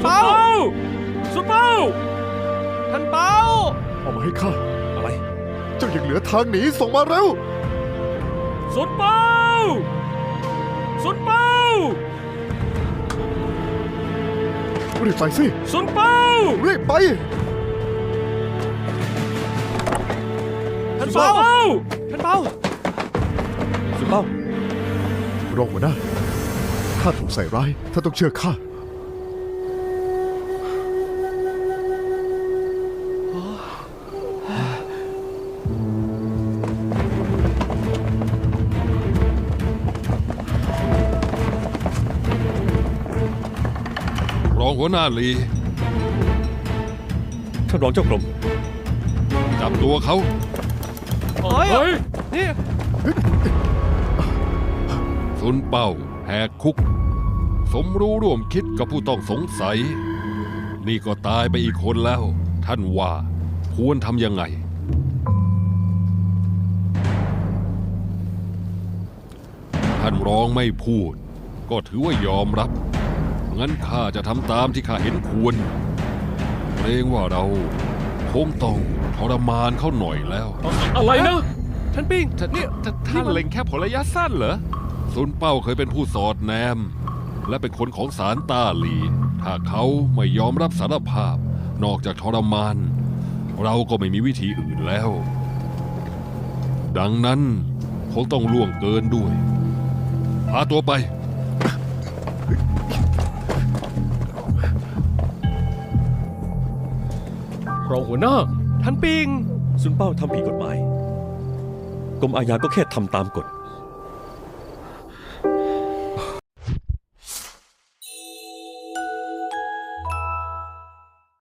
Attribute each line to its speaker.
Speaker 1: เปาซุนเปาท่านเปา
Speaker 2: เอามาให้ข้า
Speaker 1: อะไร
Speaker 2: เจ้ายังเหลือทางหนีส่งมาเร็ว
Speaker 1: ซุนเปาซุนเปา
Speaker 2: รีบไปสิ
Speaker 1: ซุนเปา
Speaker 2: รีบไป
Speaker 1: ท่านเปาท่านเปาซุนเปาร
Speaker 2: องหัวหน้าข้าถูกใส่ร้ายท่านต้องเชื่อข้า
Speaker 3: รองหัวหน้าลี
Speaker 4: ท่านรองเจ้ากรม
Speaker 3: จับตัวเขา
Speaker 1: เฮ้ยนี่
Speaker 3: ซุนเป้าแหกคุก สมรู้ร่วมคิดกับผู้ต้องสงสัย นี่ก็ตายไปอีกคนแล้ว ท่านว่าควรทำยังไง ท่านรองไม่พูด ก็ถือว่ายอมรับ งั้นข้าจะทำตามที่ข้าเห็นควรเกรงว่าเราคงต้องทรมานเขาหน่อยแล้ว
Speaker 1: อะไรนะท่านปิงนี่
Speaker 3: ท่านเล็งแค่ผลระยะสั้นเหรอซุนเป้าเคยเป็นผู้สอดแนม และเป็นคนของศาลต้าหลี ถ้าเขาไม่ยอมรับสารภาพ นอกจากทรมาน เราก็ไม่มีวิธีอื่นแล้ว ดังนั้นคงต้องล่วงเกินด้วย พาตัวไป
Speaker 1: รองหัวหน้าท่านปิง
Speaker 4: ซุนเป้าทำผิดกฎหมาย กรมอาญาก็แค่ทำตามกฎ